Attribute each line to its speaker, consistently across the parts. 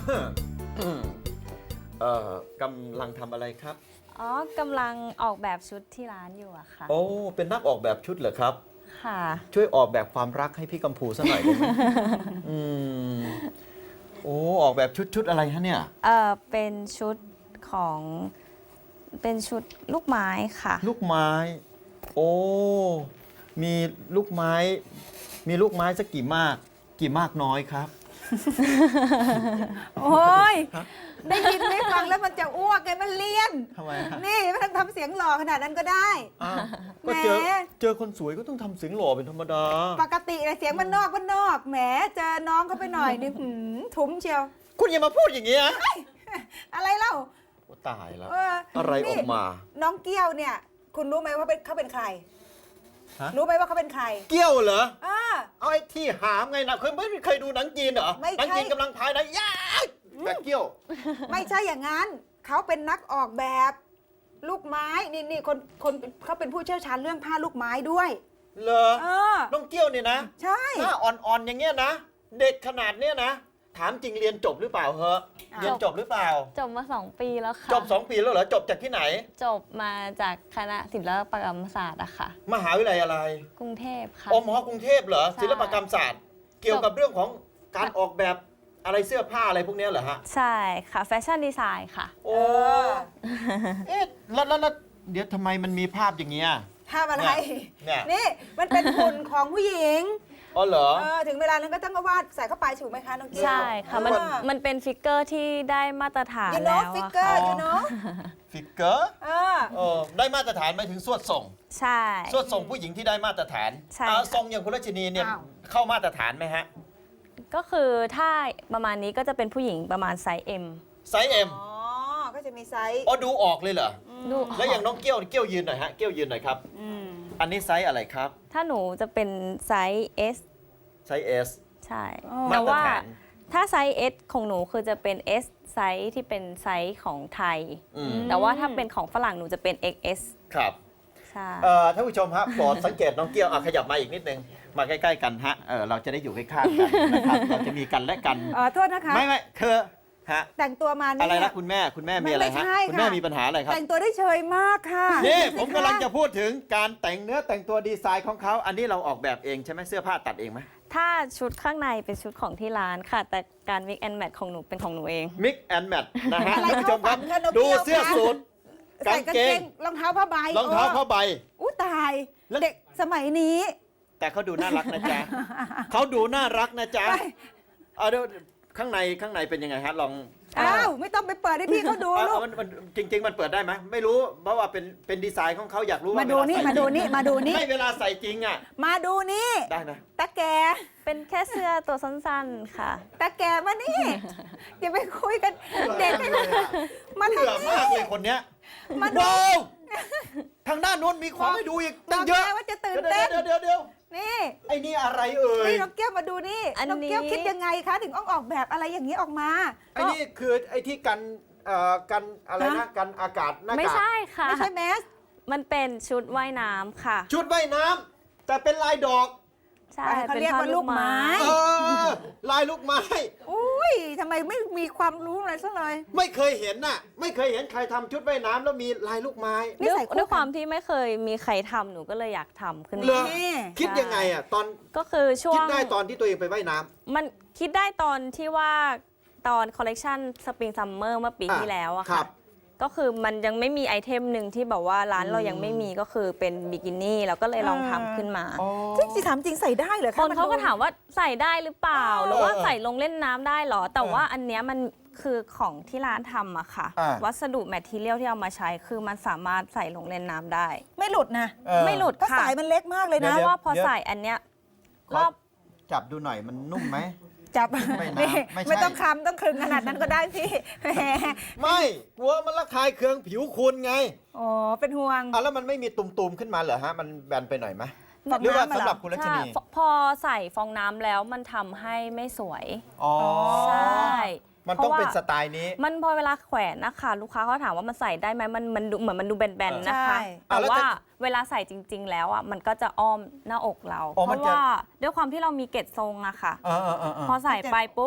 Speaker 1: กำลังทำอะไรครับ
Speaker 2: อ๋อกำลังออกแบบชุดที่ร้านอยู่อะค่ะ
Speaker 1: โอ้เป็นนักออกแบบชุดเหรอครับ
Speaker 2: ค่ะ
Speaker 1: ช่วยออกแบบความรักให้พี่กัมพูสักหน่อยได้ไหม อืมโอ้ออกแบบชุดอะไรฮะเนี่ย
Speaker 2: เป็นชุดของเป็นชุดลูกไม้ค่ะ
Speaker 1: ลูกไม้ โอ้มีลูกไม้ มีลูกไม้สักกี่มากน้อยครับ
Speaker 3: โอ้ยได้ยินได้ฟังแล้วมันจะอ้วกไงมันเลี่ยน
Speaker 1: ทำไมฮะ
Speaker 3: นี่ไม่ต้องทำเสียงหล่อขนาดนั้นก็ได้
Speaker 1: อ้าวก็
Speaker 3: แหม
Speaker 1: เจอคนสวยก็ต้องทำเสียงหล่อเป็นธรรมดา
Speaker 3: ปกติเลยเสียงมันนอกแหมเจอน้องเขาไปหน่อยนี่ทุ้มเชียว
Speaker 1: คุณอย่ามาพูดอย่างนี้ย
Speaker 3: อะไรเล่า
Speaker 1: โอ้ตายแล้ว
Speaker 3: เออ
Speaker 1: อะไรอ
Speaker 3: นี่
Speaker 1: อกมา
Speaker 3: น้องเกี้ยวเนี่ย คุณรู้ไหมว่าเขาเป็นใคร
Speaker 1: ฮะ
Speaker 3: รู้ไหมว่าเขาเป็นใคร
Speaker 1: เกี้ยวเหรอ
Speaker 3: อ่า
Speaker 1: เอาไอ้ที่หามไงนะเคยดูหนังจีนเหรอ
Speaker 3: ไม่ใช่
Speaker 1: หนัจีนกำลังพายนะย่าแบบเกี้ยว
Speaker 3: ไม่ใช่อย่างนั้นเขาเป็นนักออกแบบ ลูกไม้นี่คนเขาเป็นผู้เชี่ยวชาญเรื่องผ้าลูกไม้ด้วย
Speaker 1: เหรอ
Speaker 3: เออ
Speaker 1: น้องเกี้ยวเนี่ยนะ
Speaker 3: ใช่
Speaker 1: หน้าอ่อนๆอย่างเงี้ยนะ เด็กขนาดเนี้ยนะ ถามจริงเรียนจบหรือเปล่าเหอะ
Speaker 3: อ้าว
Speaker 1: เรียนจบหรือเปล่า
Speaker 2: จบมา 2 ปีแล้วค่ะ
Speaker 1: จบ 2 ปีแล้วเหรอ จบจากที่ไหน
Speaker 2: จบมาจากคณะศิลปกรรมศาสตร์อะค่ะ
Speaker 1: มหาวิทยาลัยอะไร
Speaker 2: กรุงเทพค่ะ
Speaker 1: มกรุงเทพเหรอ
Speaker 2: ใช่
Speaker 1: ศิลปกรรมศาสตร์ เกี่ยวกับเรื่องของการออกแบบอะไรเสื้อผ้าอะไรพวกเนี้ยเหรอฮะ
Speaker 2: ใช่ค่ะแฟชั่นดีไซน์ค่ะ
Speaker 1: โอ้ เอ๊ะแล้วเดี๋ยวทำไมมันมีภาพอย่างเงี้ย
Speaker 3: ภาพอะไร
Speaker 1: เนี่ย
Speaker 3: นี่มันเป็นหุ่นของผู้หญิง
Speaker 1: อ๋อเหรอ
Speaker 3: ถึงเวลานั้นก็ต้องมาวาดใส่เข้าไปถูกไหมคะน้องเกี้ยว
Speaker 2: ใช่ค่ะมันเป็นฟิกเกอร์ที่ได้มาตรฐาน
Speaker 3: ยูโน่
Speaker 2: แล้ว
Speaker 3: ฟิก
Speaker 2: อะ
Speaker 3: เกอ
Speaker 2: ค่ะ
Speaker 3: ร์ยูโน่
Speaker 1: ฟิกเกอร์ ได้มาตรฐานหมายถึงสวดส่ง
Speaker 2: ใช่
Speaker 1: สวดส่งผู้หญิงที่ได้มาตรฐาน
Speaker 2: ใช่
Speaker 1: ทรงอย่างคุณรัชนีเนี่ย
Speaker 3: อ้าว
Speaker 1: เข้ามาตรฐานไหมฮะ
Speaker 2: ก็คือถ้าประมาณนี้ก็จะเป็นผู้หญิงประมาณไซส์ M
Speaker 1: ไซส์เอ็ม
Speaker 3: อ๋อ ก็จะมีไซส์
Speaker 1: อ๋อดูออกเลยเหรอ
Speaker 2: ดู
Speaker 1: แล้วอย่างน้องเกี้ยวยืนหน่อยฮะ เกี้ยวยืนหน่อยครับ อันนี้ไซส์อะไรครับ
Speaker 2: ถ้าหนูจะเป็นไซส์ S
Speaker 1: ไซส์เอส
Speaker 2: ใช่
Speaker 1: มา
Speaker 2: แต่
Speaker 1: ตร
Speaker 2: ว่า
Speaker 1: ฐาน
Speaker 2: ถ้าไซส์ S ของหนูคือจะเป็น S ไซส์ที่เป็นไซส์ของไทย
Speaker 1: อืม
Speaker 2: แต่ว่าถ้าเป็นของฝรั่งหนูจะเป็น XS
Speaker 1: ครับ
Speaker 2: ใช่
Speaker 1: ท่านผู้ชมครับโปรดสังเกตน้องเกี้ยวขยับมาอีกนิดนึง มาใกล้ๆกันฮะ เราจะได้อยู่ใกล้ๆกันนะครับ เราจะมีกันและกัน
Speaker 3: โทษนะคะ
Speaker 1: ไม่คือฮะ
Speaker 3: แต่งตัวมาเนี่ย
Speaker 1: อะไรนะคุณแม่มีอะไรฮะ
Speaker 3: ไม่ใช่
Speaker 1: คุณแม่
Speaker 3: ค่ะ
Speaker 1: มีปัญหาอะไรครับ
Speaker 3: แต่งตัวได้เชยมากค่ะ
Speaker 1: นี่
Speaker 3: ดูสิ
Speaker 1: ผมกำลัง
Speaker 3: ค
Speaker 1: จะพูดถึงการแต่งเนื้อแต่งตัวดีไซน์ของเขา อันนี้เราออกแบบเองใช่ไหมเสื้อผ้าตัดเองไหม
Speaker 2: ถ้าชุดข้างในเป็นชุดของที่ร้านค่ะ แต่การ mix and match ของหนูเป็นของหนูเอง
Speaker 1: มิกแอนด์แมทนะฮะ
Speaker 3: อะไร
Speaker 1: ท่านผู้ชมครับ
Speaker 3: เข้าฝันคะน้อง
Speaker 1: ดู
Speaker 3: เกี้ยว
Speaker 1: เสื้อ
Speaker 3: คะ
Speaker 1: สูท
Speaker 3: ใส่
Speaker 1: กางเกง
Speaker 3: รองเท้าผ้าใบ
Speaker 1: รองเท้าผ้าใบ
Speaker 3: อู้ตาย
Speaker 1: แล้ว
Speaker 3: เด็กสมัยนี้
Speaker 1: แต่เขาดูน่ารักนะจ๊ะ เขาดูน่ารักนะจ๊ะ
Speaker 3: ไป
Speaker 1: เอาเดี๋ยวข้างในเป็นยังไงฮะลอง
Speaker 3: อ้าวไม่ต้องไปเปิดให้พี่เขาดู
Speaker 1: เอา
Speaker 3: ลูก
Speaker 1: มันจริง ๆ มันเปิดได้ไหมไม่รู้เพราะว่าเป็นดีไซน์ของเขาอยากรู้ว่า
Speaker 3: มาดูนี่
Speaker 1: เวล
Speaker 3: มา
Speaker 1: ใส่
Speaker 3: ดูนี่มาดูนี่
Speaker 1: ไม่เวลาใส่จริงอ่ะ
Speaker 3: มาดูนี่
Speaker 1: ได้นะ
Speaker 3: ตาแก
Speaker 2: เป็นแค่เสื้อตัวสั้นๆค่ะ
Speaker 3: ตาแกมานี่อย่าไปคุยกันเด็กมา
Speaker 1: เบื่
Speaker 3: ทาง
Speaker 1: อ
Speaker 3: นี้
Speaker 1: มากเลยคนเนี้ย
Speaker 3: มาดู
Speaker 1: ว้าวทางด้านโน้นมีของให้ดูอีกตั้งเยอะ
Speaker 3: บอกแล้วว่าจะตื่นเต้น
Speaker 1: เดี๋ยว
Speaker 3: นี่
Speaker 1: ไอ้นี่อะไรเอ่ย
Speaker 3: นี่น้องเกี้ยวมาดูนี่
Speaker 2: อันนี้
Speaker 3: น้องเกี้ยวคิดยังไงคะถึงออกแบบอะไรอย่างนี้ออกมา
Speaker 1: ไอ้นี่คือไอ้ที่กันอะไรนะ
Speaker 3: ฮะ
Speaker 1: กันอากาศหน้ากาก
Speaker 2: ไม่ใช่ค่ะ
Speaker 3: ไม่ใช่แมส
Speaker 2: มันเป็นชุดว่ายน้ำค่ะ
Speaker 1: ชุดว่ายน้ำแต่เป็นลายดอก
Speaker 2: ใช่
Speaker 3: เขาเรียกว่าลูกไม้
Speaker 1: เออลายลูกไม้
Speaker 3: อุ้ยทำไมไม่มีความรู้อะไรซะเลย
Speaker 1: ไม่เคยเห็นน่ะ ไม่เคยเห็นใครทำชุดว่ายน้ำแล้วมีลายลูกไม้
Speaker 3: นี่
Speaker 2: ด้วย
Speaker 3: ใส่คู่กัน
Speaker 2: ด้วยความที่ไม่เคยมีใครทำหนูก็เลยอยากทำขึ้น
Speaker 1: เหร
Speaker 2: มา
Speaker 1: อ
Speaker 3: นี่
Speaker 1: คิดยังไงอ่ะตอน
Speaker 2: ก็คือช่ว
Speaker 1: คิด
Speaker 2: ง
Speaker 1: ได้ตอนที่ตัวเองไปว่ายน้ำ
Speaker 2: มันคิดได้ตอนที่ว่าตอนคอลเลกชันสปริงซัมเมอร์เมื่อปีที่แล้วอะ
Speaker 1: ครั
Speaker 2: ค่ะ
Speaker 1: บ
Speaker 2: ก็คือมันยังไม่มีไอเทมหนึ่งที่แบบว่าร้านเรายังไม่มีก็คือเป็นบิกินี่เราก็เลยลองทำขึ้นมา
Speaker 3: จริงสิถามจริงใส่ได้เหรอ
Speaker 2: ค
Speaker 3: คะ
Speaker 2: นเขาก็ถามว่าใส่ได้หรือเปล่า หรือว่า
Speaker 1: เออ
Speaker 2: ใส่ลงเล่นน้ำได้เหรอ แต่ว่าอันเนี้ยมันคือของที่ร้านทำอะค่ะ
Speaker 1: อ่า
Speaker 2: วัสดุแมททีเรียลที่เอามาใช้คือมันสามารถใส่ลงเล่นน้ำได้
Speaker 3: ไม่หลุดนะ
Speaker 2: ไม่หลุด
Speaker 3: ก็
Speaker 2: ค่ะ
Speaker 3: สายมันเล็กมากเลย
Speaker 1: เดี๋
Speaker 3: นะ
Speaker 1: ยว
Speaker 2: เพราะว่าพอ
Speaker 1: เดี๋ยว
Speaker 2: ใส่อันเนี้ย
Speaker 1: ข
Speaker 2: ร
Speaker 1: อ
Speaker 2: อบ
Speaker 1: จับดูหน่อยมันนุ่มไหม
Speaker 3: จับ
Speaker 1: ไม่นะ
Speaker 3: นี่
Speaker 1: ไม่ใช่
Speaker 3: ไม่ต้องคำต้องคลึงขนาดนั้นก็ได้พี่แหม
Speaker 1: ไม่กลัวมันระคายเคืองผิวคุณไง
Speaker 3: อ๋อเป็นห่วง
Speaker 1: แล้วมันไม่มีตุ่มๆขึ้นมาเหรอฮะมันแบนไปหน่อยไหม
Speaker 3: ฟอง
Speaker 1: หรือว่า
Speaker 3: น้ำอะเหรอ
Speaker 1: สำหรับคุณรัช
Speaker 2: ใช่
Speaker 1: นี
Speaker 2: พอใส่ฟองน้ำแล้วมันทำให้ไม่สวย
Speaker 1: อ๋อ
Speaker 2: ใช่
Speaker 1: มันต้องเป็น
Speaker 2: พราะว่า
Speaker 1: สไตล์นี้
Speaker 2: มันพอเวลาแขวนนะคะลูกค้าเขาถามว่ามันใส่ได้ไหมมันดูเหมือนมันดูแบนๆนะคะ
Speaker 3: ใช่
Speaker 2: แต่
Speaker 1: แล้ว
Speaker 2: ว่า
Speaker 1: จะ
Speaker 2: เวลาใส่จริง ๆ แล้วอ่ะมันก็จะอ้อมหน้าอกเรา
Speaker 1: อ๋อ
Speaker 2: เพ
Speaker 1: มัน
Speaker 2: ราะ
Speaker 1: จะ
Speaker 2: ว่าด้วยความที่เรามีเกล็ดทรงอะค่ะ
Speaker 1: เออ
Speaker 2: พอใส่ไปปุ๊บ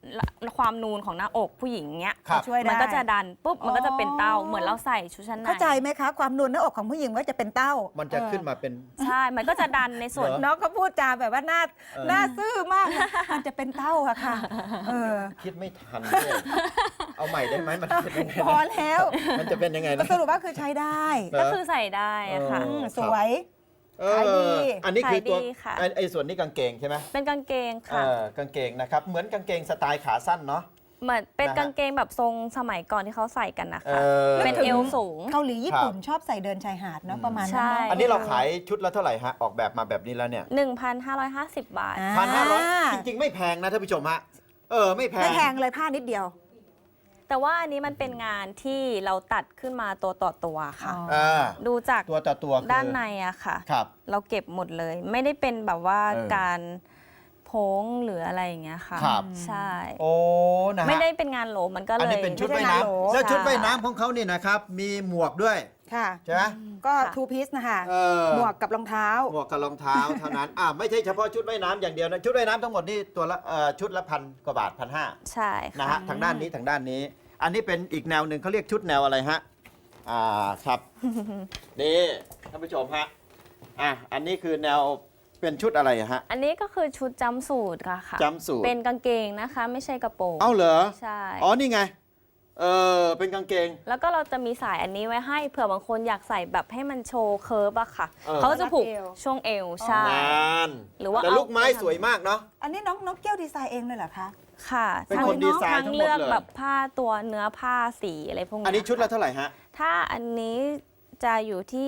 Speaker 2: ความนูนของหน้าอกผู้หญิงเนี้ย
Speaker 1: ครับ
Speaker 3: ช่วยได้
Speaker 2: มันก็จะดันปุ๊บมันก็จะเป็นเต้า
Speaker 3: อ๋อ
Speaker 2: เหมือนเราใส่ชุดชั้นใน
Speaker 3: เข้าใจไหมคะ ความนูนหน้าอกของผู้หญิงก็จะเป็นเต้า
Speaker 1: มันจะขึ้นมาเป็น
Speaker 2: ใช่ มันก็จะดันในส่วน
Speaker 1: เหรอ
Speaker 3: น้องก็พูดจาแบบว่าหน้า
Speaker 1: เออ
Speaker 3: หน้าซื่อมากนะมันจะเป็นเต้าอะค่ะเออ
Speaker 1: คิดไม่ทันด้วยเอาใหม่ได้ไหมมันเป็นยังไง
Speaker 3: พอ
Speaker 1: นะ
Speaker 3: แล้ว
Speaker 1: มันจะเป็นยังไง
Speaker 3: ก็
Speaker 1: นะ
Speaker 3: สรุปว่าคือใช้ได้
Speaker 2: ก็คือใส่ได้อะค่ะ
Speaker 1: เออ
Speaker 3: สวย
Speaker 1: เอ
Speaker 3: ขายดี
Speaker 1: อันนี้คือตัว
Speaker 2: ขายดีค่ะ
Speaker 1: ไอ้ส่วนนี้กางเกงใช่ไหม
Speaker 2: เป็นกางเกงค่ะ
Speaker 1: กางเกงนะครับ เหมือนกางเกงสไตล์ขาสั้นเนาะ
Speaker 2: เหมือนเป็น
Speaker 1: นะฮะ
Speaker 2: กางเกงแบบทรงสมัยก่อนที่เขาใส่กันนะคะ
Speaker 1: อ
Speaker 2: เป็นเอวสูง
Speaker 3: เกาหลีญี่ปุ่นชอบใส่เดินชายหาดเนาะประมาณ
Speaker 2: ใช่
Speaker 3: นั้นเนาะ
Speaker 1: อันนี้เราขายชุดละเท่าไหร่ฮะ ออกแบบมาแบบนี้แล้วเนี่ย
Speaker 2: 1,550 บาท
Speaker 1: 1,500จริงๆ ไม่แพงนะท่านผู้ชมฮะ ไม่แพง
Speaker 3: ไม่แพงเลยผ้านิดเดียว
Speaker 2: แต่ว่าอันนี้มันเป็นงานที่เราตัดขึ้นมาตัวต่อตัวค่ะ
Speaker 3: อ๋อ
Speaker 1: อ่า
Speaker 2: ดูจาก
Speaker 1: ตัวต่อตัวคือ
Speaker 2: ด้านในอะค่ะ
Speaker 1: ครับ
Speaker 2: เราเก็บหมดเลย ไม่ได้เป็นแบบว่า
Speaker 1: เออ
Speaker 2: การโพ้งหรืออะไรอย่างเงี้ยค่ะ
Speaker 1: ครับ
Speaker 2: ใช่
Speaker 1: โอ้นะฮะ
Speaker 2: ไม่ได้เป็นงานโหลมันก็เลย
Speaker 1: อันนี้เป็นชุด
Speaker 3: ไม่
Speaker 1: ว่าย
Speaker 3: ใช่งานโหล
Speaker 1: น้ำแล้วชุด
Speaker 2: ใช่
Speaker 1: ว่ายน้ำของเขาเนี่ยนะครับ มีหมวกด้วย
Speaker 3: ค่ะ
Speaker 1: ใช่ไหม
Speaker 3: ก็
Speaker 2: ค่ะ
Speaker 3: ทูพีซนะคะ
Speaker 1: เออ
Speaker 3: หมวกกับรองเท้า
Speaker 1: หมวกกับรองเท้าเท่านั้นไม่ใช่เฉพาะชุดว่ายน้ำอย่างเดียวนะชุดว่ายน้ำทั้งหมดนี่ตัวละชุดละ1,000 กว่าบาท 1,500
Speaker 2: ใช่
Speaker 1: นะ
Speaker 2: ค่ะ
Speaker 1: ฮะทางด้านนี้ทางด้านนี้ อันนี้เป็นอีกแนวหนึ่งเขาเรียกชุดแนวอะไรฮะครับ นี่ท่านผู้ชมฮะอันนี้คือแนวเป็นชุดอะไรฮะ
Speaker 2: อันนี้ก็คือชุดจัมป์สูทค่ะ
Speaker 1: จัมป์สูท
Speaker 2: เป็นกางเกงนะคะ ไม่ใช่กระโปรง
Speaker 1: เอ้าเหรอ
Speaker 2: ใช่
Speaker 1: อ๋อนี่ไงเป็นกางเกง
Speaker 2: แล้วก็เราจะมีสายอันนี้ไว้ให้เผื่อบางคนอยากใส่แบบให้มันโชว์เคิร์ฟอะค่ะ
Speaker 1: เออ
Speaker 2: เขาก็จะผูก
Speaker 3: รัดเอว
Speaker 2: ช่วงเอวใช่
Speaker 1: นาน
Speaker 2: หรือว่า
Speaker 1: แต่
Speaker 2: เอา
Speaker 1: ลูกไม้สวยมากเนาะ
Speaker 3: อันนี้น้องเกี้ยวดีไซน์เองเลยเหรอคะ
Speaker 2: ค่ะ
Speaker 1: เป็นคนดีไซน์ทั้งหมดเลย
Speaker 2: เลือกแบบผ้าตัวเนื้อผ้าสีอะไรพวกนี้
Speaker 1: อันนี้ชุดละเท่าไหร่ฮะ
Speaker 2: ถ้าอันนี้จะอยู่ที่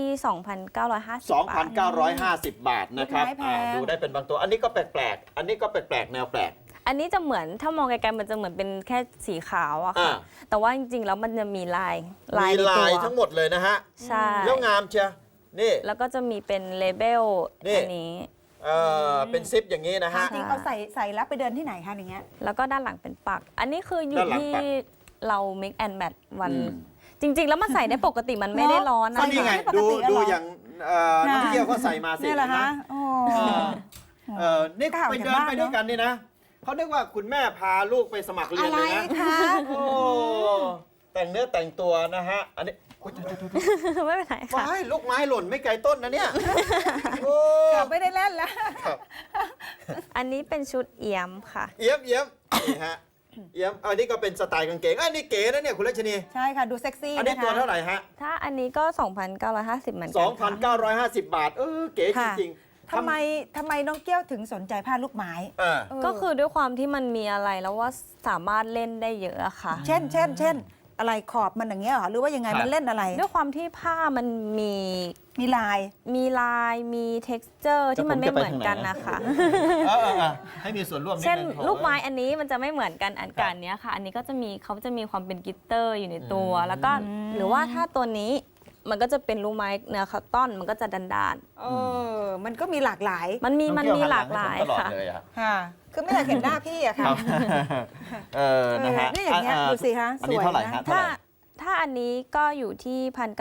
Speaker 2: 2,950 บาท
Speaker 1: 2,950 บาทนะครับ
Speaker 3: ไม่แพง
Speaker 1: ดูได้เป็นบางตัว อันนี้ก็แปลกๆ อันนี้ก็แปลกๆ แนวแปลก
Speaker 2: อันนี้จะเหมือนถ้ามองไกลๆมันจะเหมือนเป็นแค่สีขาวอะค่ะ
Speaker 1: อ่า
Speaker 2: แต่ว่าจริงๆแล้วมันจะมีลาย
Speaker 1: มี
Speaker 2: ใน
Speaker 1: ลา
Speaker 2: ตั
Speaker 1: ยว ทั้งหมดเลยนะฮะ
Speaker 2: ใช่
Speaker 1: แล้วงามเชียวนี่
Speaker 2: แล้วก็จะมีเป็นเลเบล
Speaker 1: นี่
Speaker 2: อันนี้
Speaker 1: เป็นซิปอย่างนี้นะฮะ
Speaker 3: จริงๆเอาใส่แล้วไปเดินที่ไหนคะอย่างเงี้ย
Speaker 2: แล้วก็ด้านหลังเป็นปัก อันนี้คืออยู่
Speaker 1: ด้านหลัง
Speaker 2: ที่
Speaker 1: ปัก
Speaker 2: เรา mix and match วัน
Speaker 1: อืม
Speaker 2: จริง ๆ แล้วมันใส่ได้ปกติมันไม่ได้ร้อน
Speaker 3: ใส่
Speaker 1: ก็
Speaker 2: นะ
Speaker 1: นี่ไง
Speaker 3: ไม่ปก
Speaker 1: ดู
Speaker 3: ติแล้วเหรอ
Speaker 1: ดูอย่างน้องเที่ยวเขาใส่มาสิ
Speaker 3: เนี่ยเหรอ
Speaker 1: เห็นไหม
Speaker 3: คะโอ้
Speaker 1: นี่
Speaker 3: ข่าว
Speaker 1: ไป
Speaker 3: จาก
Speaker 1: เดิน
Speaker 3: บ้าน
Speaker 1: ไปด้วยกันนี่นะเขานึกว่าคุณแม่พาลูกไปสมัครเรีย
Speaker 3: อะ
Speaker 1: น
Speaker 3: ไร
Speaker 1: เลยนะ
Speaker 3: คะ
Speaker 1: โอ้แต่งเนื้อแต่งตัวนะฮะ อันนี้อุ๊ย
Speaker 2: ไม่เป็นไรค่ะ
Speaker 1: ว้ายลูกไม้หล่นไม่ไกลต้นนะเนี่ยโอ้
Speaker 3: เกือบไม่ได้เล่นแล้ว
Speaker 1: ครับ
Speaker 2: อันนี้เป็นชุดเอี่ยมค่ะ
Speaker 1: เอี้ยมนี่ฮะเอี้ยมอันนี้ก็เป็นสไตล์กางเกงอันนี้เก๋นะเนี่ยคุณรัชนี
Speaker 3: ใช่ค่ะ ดูเซ็กซี่
Speaker 1: อันนี้
Speaker 3: นะคะ
Speaker 1: ตัวเท่าไหร่ฮะ
Speaker 2: ถ้าอันนี้ก็ 2,950 เหมือนกันค่ะ
Speaker 1: 2,950 บาท เก๋จ
Speaker 3: ค่ะ
Speaker 1: ริงๆ
Speaker 3: ทำไมน้องเกี้ยวถึงสนใจผ้าลูกไม้
Speaker 1: เออ
Speaker 3: เออ
Speaker 2: ก็คือด้วยความที่มันมีอะไรแล้วว่าสามารถเล่นได้เยอะอะค่ะ
Speaker 3: เช่น อะไรขอบมันอย่างเงี้ยเหรอหรือว่ายังไง
Speaker 1: ครับ
Speaker 3: มันเล่นอะไร
Speaker 2: ด้วยความที่ผ้ามันมี
Speaker 3: มีลาย
Speaker 2: มี texture ที่มันไม่เหมือนกันนะคะ
Speaker 1: ให้มีส่วนร่วมนิด
Speaker 2: เช่น
Speaker 1: นึง
Speaker 2: ลูกไม้อันนี้มันจะไม่เหมือนกันอันกันเนี้ยค่ะ อันนี้ก็จะมีเขาจะมีความเป็นกลิตเตอร์อยู่ในตัว แล้วก็หรือว่าถ้าตัวนี้มันก็จะเป็นลูกไม้เนื้อคอตตอนมันก็จะดัน
Speaker 3: มันก็มีหลากหลาย
Speaker 2: ๆมันมี
Speaker 1: น้องเกี้ยว
Speaker 2: หลากหลาย
Speaker 1: หันง
Speaker 2: ค่ะ
Speaker 1: ให้ผมตลอดเลยอะ
Speaker 3: ค่ะ คือไม่อยากเห็นหน้าพี่อะ
Speaker 1: ค
Speaker 3: ค่ะ
Speaker 1: รับนะฮะ
Speaker 3: นี่อย่างเงี้ยดูสิคะ
Speaker 1: อันนี้
Speaker 3: สวยนะ
Speaker 1: เท่าไหร่ฮะเท่า
Speaker 2: ถ้า
Speaker 1: ไหร่
Speaker 2: ถ้าอันนี้ก็อยู่ที่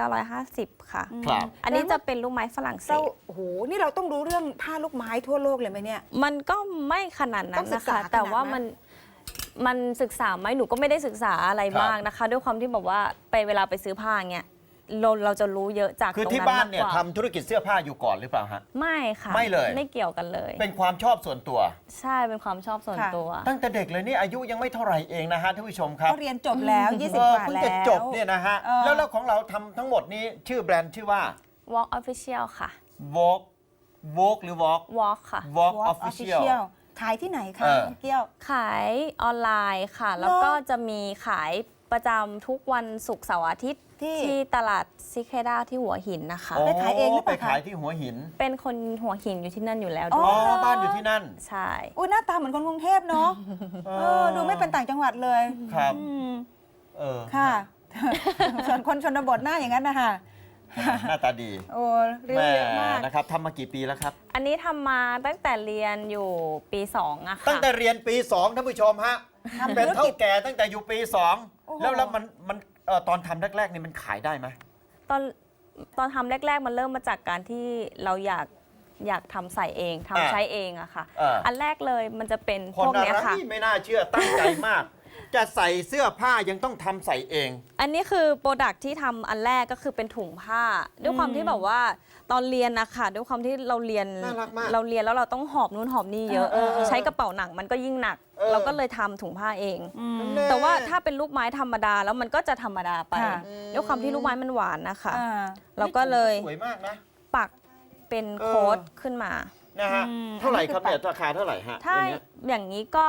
Speaker 2: 1,950 ค่ะ
Speaker 1: ครับ
Speaker 2: อันนี้จะเป็นลูกไม้ฝรั่งเศ
Speaker 3: เรา
Speaker 2: ส
Speaker 3: โอ้โหนี่เราต้องรู้เรื่องผ้าลูกไม้ทั่วโลกเลยไหมเนี่ย
Speaker 2: มันก็ไม่ขนาดนั้
Speaker 3: ต้อน งศึ
Speaker 2: นะ
Speaker 3: กษา
Speaker 2: คะ แต่ว่า
Speaker 3: ขนาดนั้น
Speaker 2: มันศึกษาไหมหนูก็ไม่ได้ศึกษาอะไร
Speaker 1: ครับ
Speaker 2: มากนะคะ ด้วยความที่แบบว่าเวลาไปซื้อผ้าเงี้ยเราจะรู้เยอะจาก
Speaker 1: คือ
Speaker 2: ตรง
Speaker 1: ที่
Speaker 2: นั้น
Speaker 1: บ้าน
Speaker 2: มาก
Speaker 1: เนี่ย
Speaker 2: กว่า
Speaker 1: ทำธุรกิจเสื้อผ้าอยู่ก่อนหรือเปล่าฮะ
Speaker 2: ไม่ค่ะ
Speaker 1: ไม่เลย
Speaker 2: ไม่เกี่ยวกันเลย
Speaker 1: เป็นความชอบส่วนตัว
Speaker 2: ใช่เป็นความชอบส่วน
Speaker 3: ค่ะ
Speaker 2: ตัว
Speaker 1: ตั้งแต่เด็กเลยนี่อายุยังไม่เท่าไหร่เองนะฮะท่านผู้ชมครับ
Speaker 3: ก็เรียนจบแล้ว20 กว่า
Speaker 1: เพิ่ง
Speaker 3: แล้ว
Speaker 1: จะจบเนี่ยนะฮะ
Speaker 3: เออ
Speaker 1: แล้วของเราทำทั้งหมดนี้ชื่อแบรนด์ชื่อว่า
Speaker 2: Walk Official ค่ะ
Speaker 1: Vogue หรือ Walk
Speaker 2: Walk ค่ะ
Speaker 1: Walk
Speaker 3: Walk
Speaker 1: Official
Speaker 3: ขายที่ไหนคะ
Speaker 1: เออ
Speaker 3: น้องเกี้ยว
Speaker 2: ขายออนไลน์ค่ะ แล้วก็จะมีขายประจำทุกวันศุกร์เสาร์อาทิตย์
Speaker 3: ที่
Speaker 2: ที่ตลาดซิเคด้าที่หัวหินนะคะ
Speaker 3: ไปขายเองหรือเป
Speaker 1: ไป
Speaker 3: ล่าคะ
Speaker 1: ขายที่หัวหิน
Speaker 2: เป็นคนหัวหินอยู่ที่นั่นอยู่แล้ว
Speaker 3: อ๋
Speaker 2: ด้
Speaker 1: อ๋
Speaker 2: ว
Speaker 1: อ
Speaker 2: ย
Speaker 1: บ้านอยู่ที่นั่น
Speaker 2: ใช่
Speaker 3: อุ้ยหน้าตาเหมือนคนกรุงเทพเนาะดูไม่เป็นต่างจังหวัดเลย
Speaker 1: ครับ
Speaker 3: อืม
Speaker 1: เออ
Speaker 3: ค่ะ ส่วนคนชนบทหน้าอย่างนั้นนะคะ
Speaker 1: หน้าตาดี
Speaker 3: โอ้เรียว
Speaker 1: แม่
Speaker 3: เยอะมาก
Speaker 1: นะครับทำมากี่ปีแล้วครับ
Speaker 2: อันนี้ทำมาตั้งแต่เรียนอยู่ปี2อะ
Speaker 1: ตั้
Speaker 2: ค่ะ
Speaker 1: งแต่เรียนปี 2 ท่านผู้ชมฮะ
Speaker 3: ทำ
Speaker 1: เป็น
Speaker 3: ธุร
Speaker 1: เท่า
Speaker 3: กิจ
Speaker 1: แก่ตั้งแต่อยู่ปี
Speaker 3: โอ้โห
Speaker 1: 2 แล้วมันตอนทำแรกๆนี่มันขายได้ไหม
Speaker 2: ตอนทำแรก ๆ มันเริ่มมาจากการที่เราอยากอยากทำใส่เองทำใช้เองอะค่ะ
Speaker 1: อ่า
Speaker 2: อันแรกเลยมันจะเป็น
Speaker 1: คน
Speaker 2: พวก
Speaker 1: อะ
Speaker 2: เนี้ย
Speaker 1: ไร
Speaker 2: ค่ะ
Speaker 1: ไม่น่าเชื่อตั้งใจมาก จะใส่เสื้อผ้ายังต้องทำใส่เอง
Speaker 2: อันนี้คือโปรดักที่ทำอันแรกก็คือเป็นถุงผ้า ด้วยความที่แบบว่าตอนเรียนนะคะด้วยความที่เราเรียน
Speaker 1: น่ารักมาก
Speaker 2: เราเรียนแล้วเราต้องหอบนู่นหอบนี่เยอะ ใช้กระเป๋าหนังมันก็ยิ่งหนัก เราก็เลยทำถุงผ้าเอง
Speaker 1: น่
Speaker 2: แต่ว่าถ้าเป็นลูกไม้ธรรมดาแล้วมันก็จะธรรมดาไป
Speaker 3: ค่ะ
Speaker 2: ด้วยความที่ลูกไม้มันหวานนะคะ
Speaker 3: อ่า
Speaker 2: เราก็เลย
Speaker 1: สวยมากนะ
Speaker 2: ปักเป็นโค้ดขึ้นมา
Speaker 1: นะฮะ เท่าไหร่ครับเนี่ยราคาเท่าไหร่ฮะ
Speaker 2: ถ้า
Speaker 1: อย่างเงี้ย
Speaker 2: อย่างนี้ก็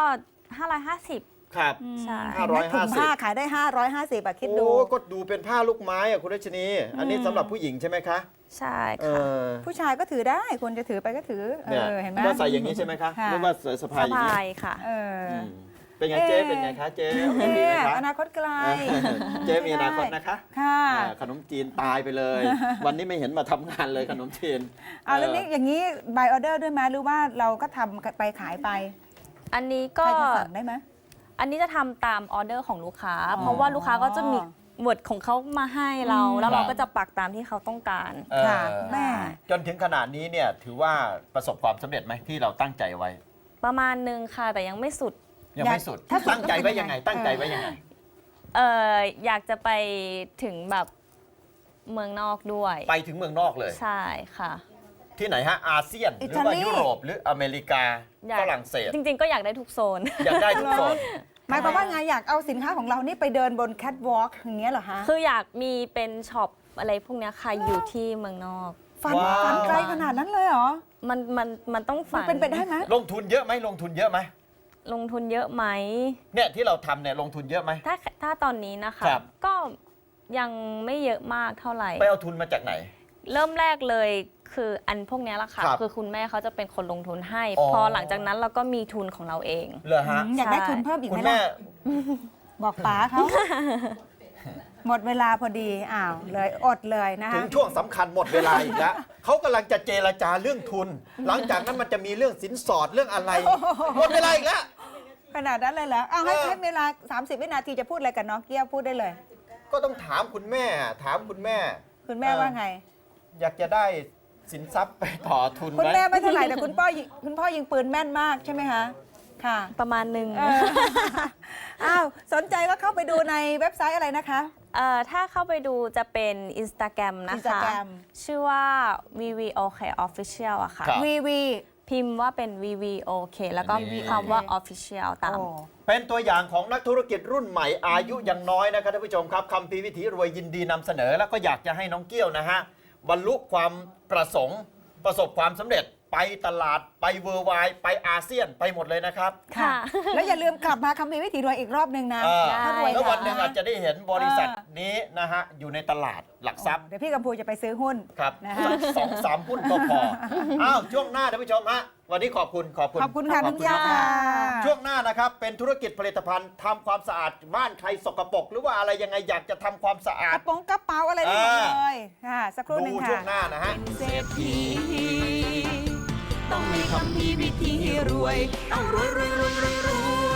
Speaker 2: 550
Speaker 1: ครับ
Speaker 2: ใช่
Speaker 1: ห้า
Speaker 3: เห็นไหมถุงผ้า
Speaker 1: 550
Speaker 3: ขายได้ 550อะคิดดู
Speaker 1: โอ้ก็ดูเป็นผ้าลูกไม้อะคุณรัชนี อันนี้สำหรับผู้หญิงใช่ไหมคะ
Speaker 2: ใช่
Speaker 1: เอ
Speaker 2: ค่ะ
Speaker 1: อ
Speaker 3: ผู้ชายก็ถือได้คนจะถือไปก็ถือ
Speaker 1: เนี่ย
Speaker 3: เห็นไหม
Speaker 1: ก็ใส่อย่างนี้ใช่ไหมคะ
Speaker 3: ค่ะ
Speaker 1: หรือว่าสะพา
Speaker 2: ส
Speaker 1: ยอย่าง
Speaker 2: บา
Speaker 1: นี้
Speaker 2: ยค่ะ
Speaker 3: เออ
Speaker 1: อืมเป็นไงเจ๊เป็นไงคะเจ๊โอเคดี
Speaker 3: เนี่
Speaker 1: ไหม
Speaker 3: ย
Speaker 1: คะ
Speaker 3: อนาคตไกล
Speaker 1: เจ๊มีอนาคตนะคะ
Speaker 3: ค่ะ
Speaker 1: ขนมจีนตายไปเลย วันนี้ไม่เห็นมาทำงานเลยขนมจีน
Speaker 3: เอาเรื่องนี้อย่างนี้ by order ด้วยไหมหรือว่าเราก็ทำไปขายไป
Speaker 2: อันนี้
Speaker 3: ใคร
Speaker 2: ก็
Speaker 3: จะสั่งได้ไหม
Speaker 2: อันนี้จะทำตามออเดอร์ของลูกค้า
Speaker 3: อ๋อ
Speaker 2: เพราะว่าลูกค้าก็จะมีเวิร์ดของเขามาให้เรา แล้ว
Speaker 1: ค
Speaker 2: เรา
Speaker 1: รับ
Speaker 2: ก็จะปักตามที่เขาต้องการ
Speaker 3: ค่ะ แม่
Speaker 1: จนถึงขนาดนี้เนี่ยถือว่าประสบความสำเร็จไหมที่เราตั้งใจไว้
Speaker 2: ประมาณนึงค่ะ แต่ยังไม่สุด
Speaker 1: ยังไม่สุด
Speaker 3: ถ้าสุด
Speaker 1: ตั้งใจไว้ยังไง ตั้งใจไว้ยังไง
Speaker 2: อยากจะไปถึงแบบเมืองนอกด้วย
Speaker 1: ไปถึงเมืองนอกเลย
Speaker 2: ใช่ค่ะ
Speaker 1: ที่ไหนฮะอาเซียนหรือว่ายุโรปหรืออเมริกา
Speaker 2: อยาก
Speaker 1: ฝรั่งเศส
Speaker 2: จริงๆ ก็อยากได้ทุกโซน
Speaker 1: อยากได้ทุกโซน
Speaker 3: หมายความว่าไงอยากเอาสินค้าของเรานี่ไปเดินบนแคทวอล์กอย่างเงี้ยเหรอฮะ
Speaker 2: คืออยากมีเป็นช็อปอะไรพวกเนี้ยค่ะอยู่ที่เมืองนอก
Speaker 3: ฝัน
Speaker 1: ว้าว
Speaker 3: ฝันไกลขนาดนั้นเลยเหรอ
Speaker 2: มันต้อง
Speaker 3: มัน
Speaker 2: ฝัน
Speaker 3: เป็นไปได้ไหม
Speaker 1: ลงทุนเยอะไหมลงทุนเยอะไหม
Speaker 2: ลงทุนเยอะไหม
Speaker 1: เนี่ยที่เราทำเนี่ยลงทุนเยอะไหม
Speaker 2: ถ้าตอนนี้นะคะ
Speaker 1: ครับ
Speaker 2: ก็ยังไม่เยอะมากเท่าไหร่
Speaker 1: ไปเอาทุนมาจากไหน
Speaker 2: เริ่มแรกเลยคืออันพวกเนี้ยแหละค่ะ
Speaker 1: ครับ
Speaker 2: คือคุณแม่เขาจะเป็นคนลงทุนให้
Speaker 1: อ๋อ
Speaker 2: พอหลังจากนั้นเราก็มีทุนของเราเอง
Speaker 1: เหรอฮะ
Speaker 3: อยากได้ทุนเพิ่มอีก
Speaker 1: คุ
Speaker 3: ไหม
Speaker 1: ณแม่
Speaker 3: ล่ะ บอกป๋าเขา หมดเวลาพอดี อ้าวเลยอดเลยนะ
Speaker 1: ถึ
Speaker 3: คะ
Speaker 1: งช่วงสำคัญหมดเวลาอีกแล้ว เขากำลังจะเจรจาเรื่องทุน หลังจากนั้นมันจะมีเรื่องสินสอดเรื่องอะไร หมดเวลาอีกแล้ว
Speaker 3: ขนาดนั้นเลยเหรอเอาให้
Speaker 1: เออ
Speaker 3: ให้เวลา 30 วินาทีจะพูดอะไรกับน้องเกี้ยวพูดได้เลย
Speaker 1: ก็ต้องถามคุณแม่ ถามคุณแม่
Speaker 3: คุณแม่ว่าไง
Speaker 1: อยากจะได้สินทรัพย์ไปต่อทุน
Speaker 3: คุณ
Speaker 1: ไหม
Speaker 3: แม่ไม่เท่าไหร่แต่คุณพ่อยิงปืนแม่นมากใช่ไหมคะ ค่ะ
Speaker 2: ประมาณหนึ่ง
Speaker 3: เออ อ้าวสนใจก็เข้าไปดูในเว็บไซต์อะไรนะคะ
Speaker 2: ถ้าเข้าไปดูจะเป็น Instagram นะคะ
Speaker 3: Instagram
Speaker 2: ชื่อว่า VVOK Official อะค่ะ
Speaker 1: ครับ
Speaker 3: VV
Speaker 2: พิมพ์ว่าเป็น VVOK แล้วก็
Speaker 1: นี่
Speaker 2: คำว่า Official ตาม
Speaker 3: โอ้
Speaker 1: เป็นตัวอย่างของนักธุรกิจรุ่นใหม่อายุยังน้อยนะครับท่านผู้ชมครับคำพีร์วิถีรวยยินดีนำเสนอ แล้วก็อยากจะให้น้องเกี้ยวนะฮะบรรลุความประสงค์ประสบความสำเร็จไปตลาดไปเวอร์ไวไปอาเซียนไปหมดเลยนะครับ
Speaker 3: ค่ะ
Speaker 2: ค่ะ
Speaker 3: แล้วอย่าลืมกลับมาคำพีวิถีรวยอีกรอบหนึ่งนะ
Speaker 1: อ่า
Speaker 3: ถ้ารวย
Speaker 1: แล้ววันหนึ่ง
Speaker 3: ะ
Speaker 1: อาจจะได้เห็นบริษัทนี้นะฮะอยู่ในตลาดหลักทรัพย์
Speaker 3: เดี๋ยวพี่กัมพูจะไปซื้อหุ้น
Speaker 1: ครับ
Speaker 3: นะฮะ
Speaker 1: สัก2-3 หุ้นก็พอ อ้าวช่วงหน้าท่านผู้ชมฮะวันนี้ขอบคุณ
Speaker 3: ขอบคุณค่ะคุณ
Speaker 1: ม
Speaker 3: ย่า
Speaker 1: ากๆช่วงหน้านะครับเป็นธุรกิจผลิตภัณฑ์ทำความสะอาดบ้านใครสกปรกหรือว่าอะไรยังไงอยากจะทำความสะอาก ด
Speaker 3: ระโปรงกระเป๋าอะไรได้หมดเลยค่ะสักครู่หนึ่
Speaker 1: ดู
Speaker 3: ง
Speaker 1: ช่วง
Speaker 3: ค่ะ
Speaker 1: หน้านะฮะ
Speaker 4: เศรษฐีต้องมีคำพีวิธีรวย ต้องรวยรวยรวยรวยรวย